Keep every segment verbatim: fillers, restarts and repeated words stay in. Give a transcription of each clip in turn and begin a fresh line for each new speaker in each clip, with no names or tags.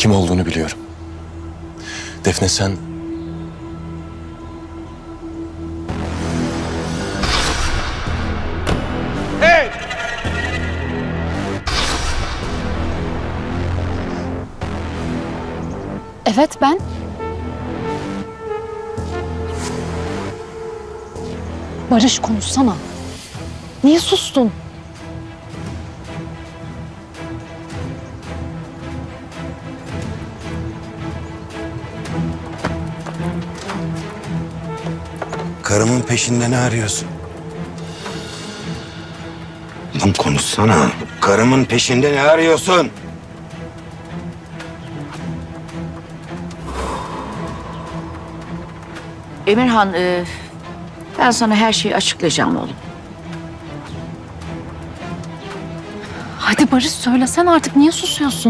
Kim olduğunu biliyorum. Defne sen...
Hey!
Evet ben. Barış konuşsana. Niye sustun?
Karımın peşinde ne arıyorsun? Lan konuşsana. Karımın peşinde ne arıyorsun?
Emirhan, e, ben sana her şeyi açıklayacağım oğlum.
Hadi Barış söylesen artık, niye susuyorsun?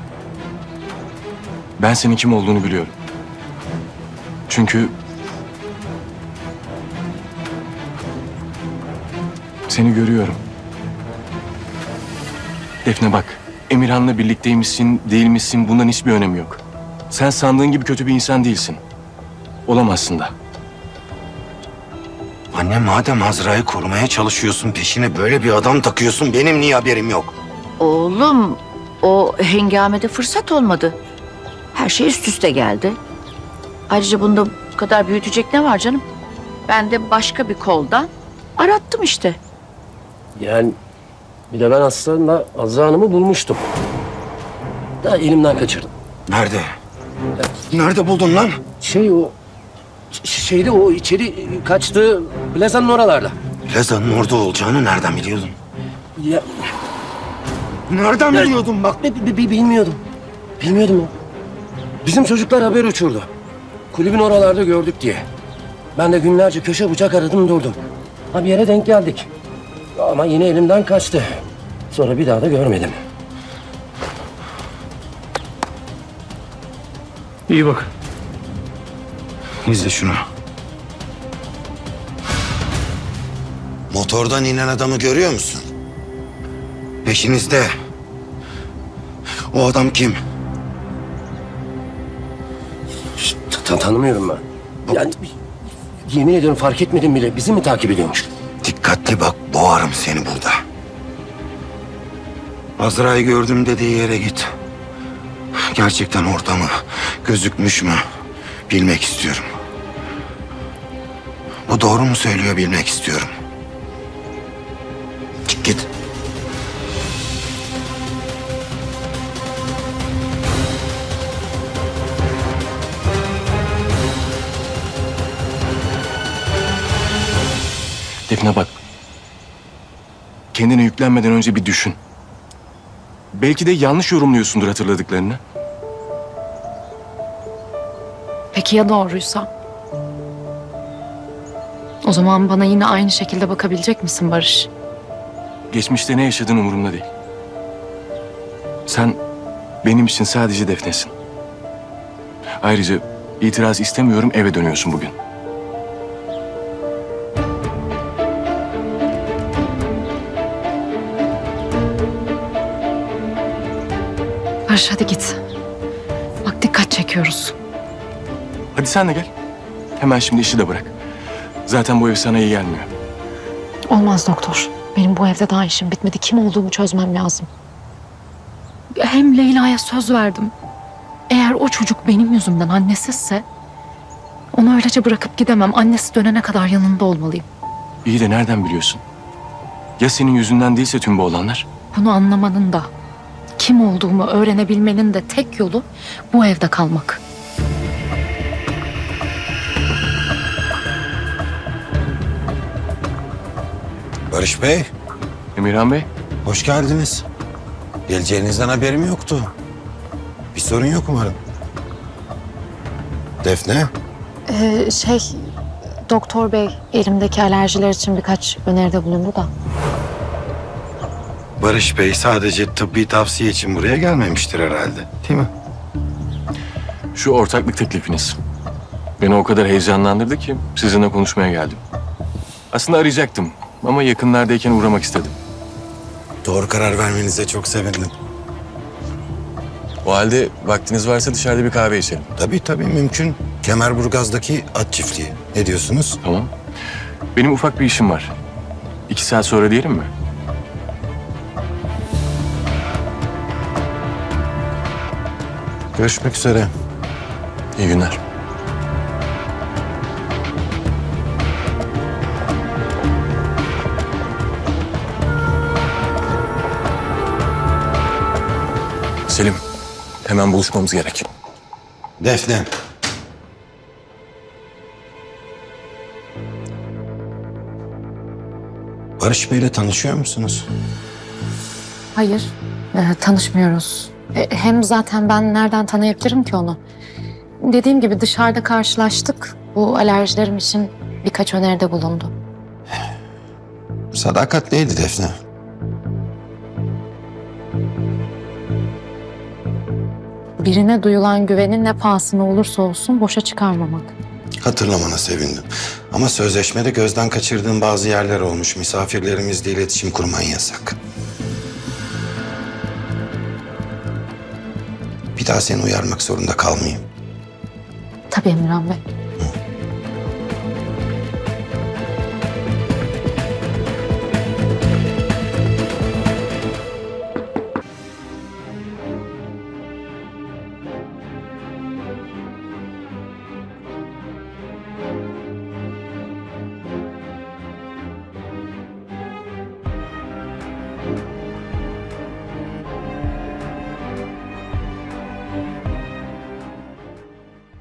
Ben senin kim olduğunu biliyorum. Çünkü... Seni görüyorum. Defne bak, Emirhan'la birlikteymişsin, değil misin bundan hiçbir önemi yok. Sen sandığın gibi kötü bir insan değilsin. Olamazsın da.
Anne madem Azra'yı korumaya çalışıyorsun, peşine böyle bir adam takıyorsun, benim niye haberim yok?
Oğlum, o hengamede fırsat olmadı. Her şey üst üste geldi. Ayrıca bunda bu kadar büyütecek ne var canım? Ben de başka bir koldan arattım işte.
Yani bir de ben aslında Azra Hanım'ı bulmuştum. Da elimden kaçırdım.
Nerede? Nerede buldun lan?
Şey o ş- şeyde o içeri kaçtığı plazanın oralarda.
Plazanın orada olacağını nereden biliyordun?
Ya,
Nereden
Ya-
biliyordun bak?
bi- bi- bi- bilmiyordum. Bilmiyordum ya. Bizim çocuklar haber uçurdu. Kulübün oralarda gördük diye. Ben de günlerce köşe bucak aradım durdum. Ha bir yere denk geldik. Ama yine elimden kaçtı. Sonra bir daha da görmedim.
İyi bak. İzle şunu. Motordan inen adamı görüyor musun? Peşinizde. O adam kim?
Ta- ta- tanımıyorum ben. Yani yemin ediyorum fark etmedim bile. Bizi mi takip ediyormuş?
Dikkatli bak, boğarım seni burada. Azra'yı gördüm dediği yere git. Gerçekten orada mı, gözükmüş mü bilmek istiyorum. Bu doğru mu söylüyor bilmek istiyorum. Çık git.
Defne bak. Kendine yüklenmeden önce bir düşün. Belki de yanlış yorumluyorsundur hatırladıklarını.
Peki ya doğruysa? O zaman bana yine aynı şekilde bakabilecek misin Barış?
Geçmişte ne yaşadığın umurumda değil. Sen benim için sadece Defne'sin. Ayrıca itiraz istemiyorum, eve dönüyorsun bugün.
Barış hadi git. Bak dikkat çekiyoruz.
Hadi sen de gel. Hemen şimdi işi de bırak. Zaten bu ev sana iyi gelmiyor.
Olmaz doktor. Benim bu evde daha işim bitmedi. Kim olduğumu çözmem lazım. Hem Leyla'ya söz verdim. Eğer o çocuk benim yüzümden annesizse... onu öylece bırakıp gidemem. Annesi dönene kadar yanında olmalıyım.
İyi de nereden biliyorsun? Ya senin yüzünden değilse tüm bu olanlar?
Bunu anlamanın da, kim olduğumu öğrenebilmenin de tek yolu bu evde kalmak.
Barış Bey,
Emirhan Bey,
hoş geldiniz. Geleceğinizden haberim yoktu. Bir sorun yok umarım. Defne,
Ee, şey, doktor bey elimdeki alerjiler için birkaç öneride bulundu da.
Barış Bey sadece tıbbi tavsiye için buraya gelmemiştir herhalde, değil mi?
şu ortaklık teklifiniz beni o kadar heyecanlandırdı ki sizinle konuşmaya geldim. Aslında arayacaktım ama yakınlardayken uğramak istedim.
Doğru karar vermenize çok sevindim.
O halde vaktiniz varsa dışarıda bir kahve içelim.
Tabii tabii mümkün. Kemerburgaz'daki at çiftliği. Ne diyorsunuz?
Tamam. Benim ufak bir işim var. İki saat sonra diyelim mi?
Görüşmek üzere.
İyi günler. Selim, hemen buluşmamız gerek.
Defne. Barış Bey'le tanışıyor musunuz?
Hayır, e, tanışmıyoruz. E, hem zaten ben nereden tanıyabilirim ki onu? Dediğim gibi dışarıda karşılaştık. Bu alerjilerim için birkaç öneride bulundu.
Sadakatliydi Defne.
Birine duyulan güvenin ne pahasına olursa olsun boşa çıkarmamak.
Hatırlamana sevindim. Ama sözleşmede gözden kaçırdığım bazı yerler olmuş. Misafirlerimizle iletişim kurman yasak. Bir daha seni uyarmak zorunda kalmayayım.
Tabii Emirhan Bey.